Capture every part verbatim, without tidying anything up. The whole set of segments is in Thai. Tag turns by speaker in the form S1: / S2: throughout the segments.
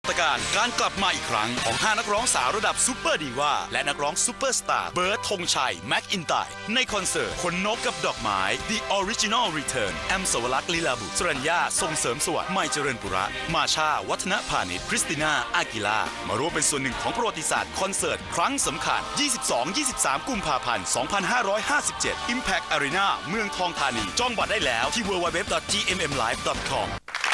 S1: ตการการกลับมาอีกครั้งของห้านักร้องสาวระดับซูเปอร์ดีว่าและนักร้องซูเปอร์สตาร์เบิร์ดธงชัยแม็กอินไตร์ในคอนเสิร์ตขนนกกับดอกไม้ The Original Return แอมสวรักษ์ลีลาบุตรสรัญญาส่งเสริมสวัสดิ์ไมเจริญปุระมาชาวัฒนพาณิชย์คริสติน่าอากิลามาร่วมเป็นส่วนหนึ่งของประวัติศาสตร์คอนเสิร์ตครั้งสำคัญ ยี่สิบสอง ยี่สิบสาม กุมภาพันธ์ สองพันห้าร้อยห้าสิบเจ็ด Impact Arena เมืองทองธานีจองบัตรได้แล้วที่ ดับเบิลยู ดับเบิลยู ดับเบิลยู ดอท จี เอ็ม เอ็ม ไลฟ์ ดอท คอม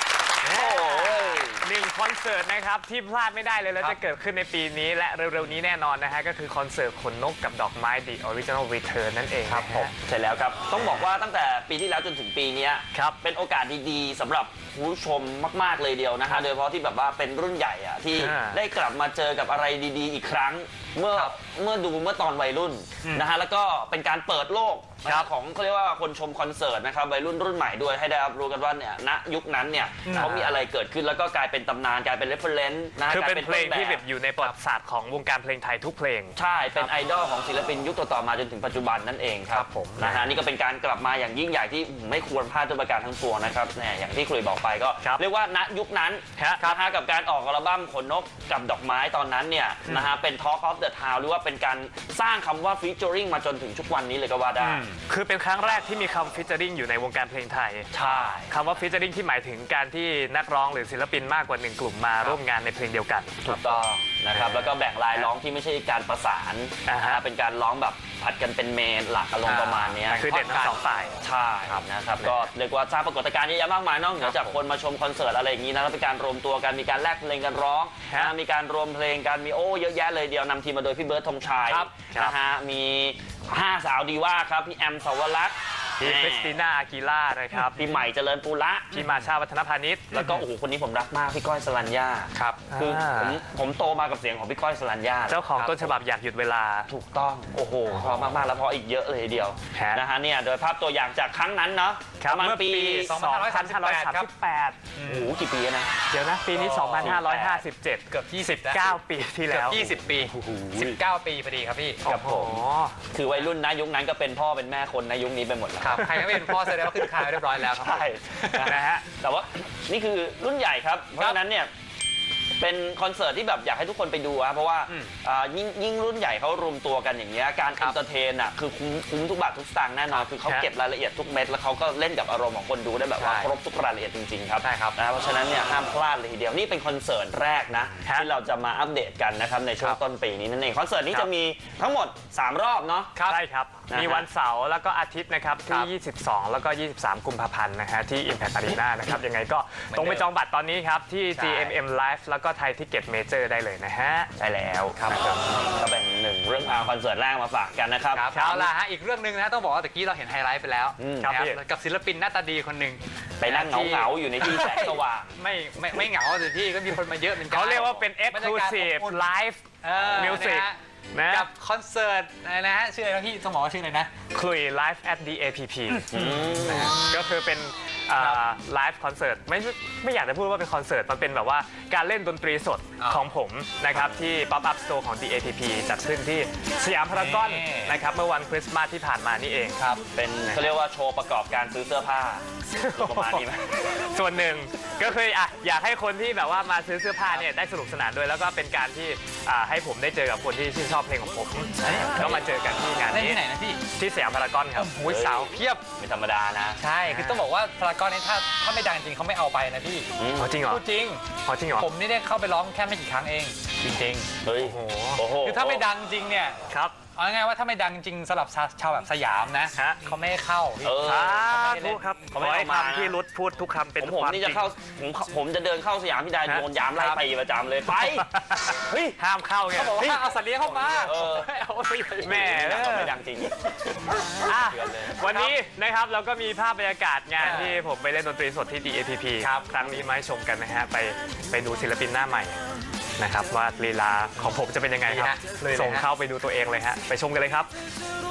S2: หนึ่งคอนเสิร์ตนะครับที่พลาดไม่ได้เลยแล้วจะเกิดขึ้นในปีนี้และเร็วๆนี้แน่นอนนะฮะก็คือคอนเสิร์ตขนนกกับดอกไม้ The Original Return นั่นเองครับผม
S3: ใช่แล้วครับต้องบอกว่าตั้งแต่ปีที่แล้วจนถึงปีนี้
S2: ครับ
S3: เป็นโอกาสดีๆสำหรับผู้ชมมากๆเลยเดียวนะฮะโดยเฉพาะที่แบบว่าเป็นรุ่นใหญ่อะที่ได้กลับมาเจอกับอะไรดีๆอีกครั้งเมื่อเมื่อดูเมื่อตอนวัยรุ่นนะฮะแล้วก็เป็นการเปิดโลกของเขาเรียกว่าคนชมคอนเสิร์ตนะครับวัยรุ่นรุ่นใหม่ด้วยให้ได้รับรู้กันว่าเนี่ยณยุคนั้นเนี่ยเขามีอะไรเกิดขึ้นแล้วก็กลายเป็นตำนานกลายเป็นเรฟเฟอเรนซ์นะ
S2: คือเป็นเพลงที่แบบอยู่ในประวัติศาสตร์ของวงการเพลงไทยทุกเพลง
S3: ใช่เป็นไอดอลของศิลปินยุคต่อๆมาจนถึงปัจจุบันนั่นเองครับผมนะฮะนี่ก็เป็นการกลับมาอย่างยิ่งใหญ่ที่ไม่ควรพลาดด้วยประการทั้งปวงนะครับเนี่ยอย่างที่คุยบอกไปก็เรียกว่าณยุคนั้นนะฮะกับการออกอัลบั้มขนนกกับดอกไม้ตอนนั้นเนี่ยนะฮะเป็น Talk of the Town หรือว่าเป็นการสร้างคำว่า featuring มาจนถึงทุกวันนี้เลยก็ว่าได้
S2: คือเป็นครั้งแรกที่มีคำ featuring อยู่ในวงการเพลงไทย
S3: ใช่
S2: คำว่า featuring ที่หมายถึงการที่นักร้องหรือศิลปินมากกว่าหนึ่งกลุ่มมาร่วมงานในเพลงเดียวกัน
S3: ถูกต้องนะครับแล้วก็แบ่งลายร้องที่ไม่ใช่การประสานเป็นการร้องแบบผัดกันเป็นเมนหลักอารมณ์ประมาณนี้
S2: คือเด่นทั้งสองฝ่าย
S3: ใช่นะครับก็เรียกว่าสร้างปรากฏการณ์เยอะแยะมากมายนอกเหนือจากคนมาชมคอนเสิร์ตอะไรอย่างนี้นะแล้วเป็นการรวมตัวกันมีการแลกเพลงกันร้องมีการรวมเพลงกันมีโอ้เยอะแยะเลยเดียวนำทีมมาโดยพี่เบิร์ดธงชัยนะฮะมีห้าสาวดีว่าครับพี่แอมสวรักษ์
S2: พี่คริสติน่าอากิล่านะครับ
S3: พี่ใหม่เจริญปุระ
S2: พี่มาชาวัฒนพาณิชย์
S3: แล้วก็โอ้โหคนนี้ผมรักมากพี่ก้อยสรัญญาครับคือผมผมโตมากับเสียงของพี่ก้อยสรัญญา
S2: เจ้าของต้นฉบับอยากหยุดเวลา
S3: ถูกต้องโอ้โหพอมากๆแล้วพออีกเยอะเลยเดียวนะฮะเนี่ยโดยภาพตัวอย่างจากครั้งนั้นเนาะประมาณปี
S2: สองพันห้าร้อยสามสิบแปดครับ
S3: โอ้โหกี่ปีนะ
S2: เดี๋ยวนะปีนี้สองพันห้าร้อยห้าสิบเจ็ดเกือบยี่สิบเก้าปีที่แล้ว
S4: ยี่สิบปีสิบเก้าปีพอดีครับพี่
S3: ครับผมคือวัยรุ่นนะยุคนั้นก็เป็นพ่อเป็นแม่คนในยุคนี้ไปหมดแล้ว
S4: ครับใครก็เป็นพ่อแสดงว่าขึ้นคานเรียบร้อยแล้วครับ
S3: ใช่นะฮะแต่ว่านี่คือรุ่นใหญ่ครับเพราะฉะนั้นเนี่ยเป็นคอนเสิร์ตที่แบบอยากให้ทุกคนไปดูครับเพราะว่ายิ่งยิ่งรุ่นใหญ่เขารวมตัวกันอย่างเงี้ยการเอนเตอร์เทนอ่ะคือคุ้มคุ้มทุกบาททุกสตางค์แน่นอนคือเขาเก็บรายละเอียดทุกเม็ดแล้วเขาก็เล่นกับอารมณ์ของคนดูได้แบบว่าครบทุกรายละเอียดจริงๆครับ
S4: ใช่ครับ
S3: นะเพราะฉะนั้นเนี่ยห้ามพลาดเลยทีเดียวนี่เป็นคอนเสิร์ตแรกนะที่เราจะมาอัปเดตกันนะครับในช่วงต้นปีนี้นั่นเองคอนเสิร์ตนี้จะมีทั้งหมดสามรอบเนาะ
S2: ใช่ครับมีวันเสาร์แล้วก็อาทิตย์นะครับที่ยี่สิบสองแล้วก็ยี่สิบสามกุมภาพันธ์นะฮะที่ Impact Arena นะครับยังไงก็ตรงไปจองบัตรตอนนี้ครับที่ จี เอ็ม เอ็ม Live แล้วก็ไทยทิเก็ตเมเจอร์ได้เลยนะฮะ
S3: ใช่แล้วครับก็เป็นหนึ่งเรื่องราวคอนเสิร์ตแรกมาฝากกันนะครับ
S4: เอาล่ะฮะอีกเรื่องหนึ่งนะต้องบอกว่าตะกี้เราเห็นไฮไลท์ไปแล้วกับศิลปินหน้าตาดีคนหนึ่ง
S3: ไปนั่งเหงาๆอยู่ในที่แสงสว่าง
S4: ไม่ไม่ไม่เหงาสิพี่ก็มีคนมาเยอะเหมือนกัน
S2: เขาเรียกว่าเป็น Exclusive Live Music
S4: กับคอนเสิร์ตนะฮะชื่ออะไรนะพี่ต้องบอกว่าชื่ออะไรนะ
S2: คลุย Live at ดี เอ พี พี ก็คือเป็นไลฟ์คอนเสิร์ตไม่ไม่อยากจะพูดว่าเป็นคอนเสิร์ตมันเป็นแบบว่าการเล่นดนตรีสดของผมนะครับที่ Pop Up Store ของ ดี เอ พี พี จัดขึ้นที่สยามพารากอนนะครับเมื่อวันคริสต์มาสที่ผ่านมานี่เอง
S3: ครับเป็นเขาเรียกว่าโชว์ประกอบการซื้อเสื้อผ้าประมาณนี้ไหม
S2: ส่วนหนึ่งก็คืออ่ะอยากให้คนที่แบบว่ามาซื้อเสื้อผ้าเนี่ยได้สนุกสนานด้วยแล้วก็เป็นการที่ให้ผมได้เจอกับคนที่ชื่นชอบเพลงของผมก็มาเจอกันที่งานนี้
S4: ที่ไหนนะพี่
S2: ที่สยามพารากอนครับ
S4: โอ้ยสาวเพียบ
S3: ไม่ธรรมดานะ
S4: ใช่คือต้องบอกว่าพารากอนนี้ถ้าถ้าไม่ดังจริงเขาไม่เอาไปนะพี่
S2: จริงเหรอ
S4: จริง
S2: จริงเหรอ
S4: ผมนี่ได้เข้าไปร้องแค่ไม่กี่ครั้งเองจริง
S3: ๆเฮ้ยโอ้โห
S4: คือถ้าไม่ดังจริงเนี่ย
S2: ครับ
S4: เอาง่ายๆว่าถ้าไม่ดังจริงสำหรับชาวแบบสยามนะเขาไม่ให้เข้า
S2: ทุกครับขอให้คำที่รุดพูดทุกคำเป็น
S3: ผมนี่จะเข้าผมผมจะเดินเข้าสยามพี่ดาโดนยามไล่ไปประจำเลยไป
S2: เฮ้ยห้ามเข้าไง
S4: เขาบอกว่าเอาสัตว์เลี้ยงเข้ามา
S2: เอาแม่
S3: ไม่ดังจริง
S2: วันนี้นะครับเราก็มีภาพบรรยากาศงานที่ผมไปเล่นดนตรีสดที่ ดี เอ พี พี ครับครั้งนี้มาให้ชมกันนะฮะไปไปดูศิลปินหน้าใหม่นะครับว่าลีลาของผมจะเป็นยังไงครับส่งเข้าไปดูตัวเองเลยฮะไปชมกันเลยครับ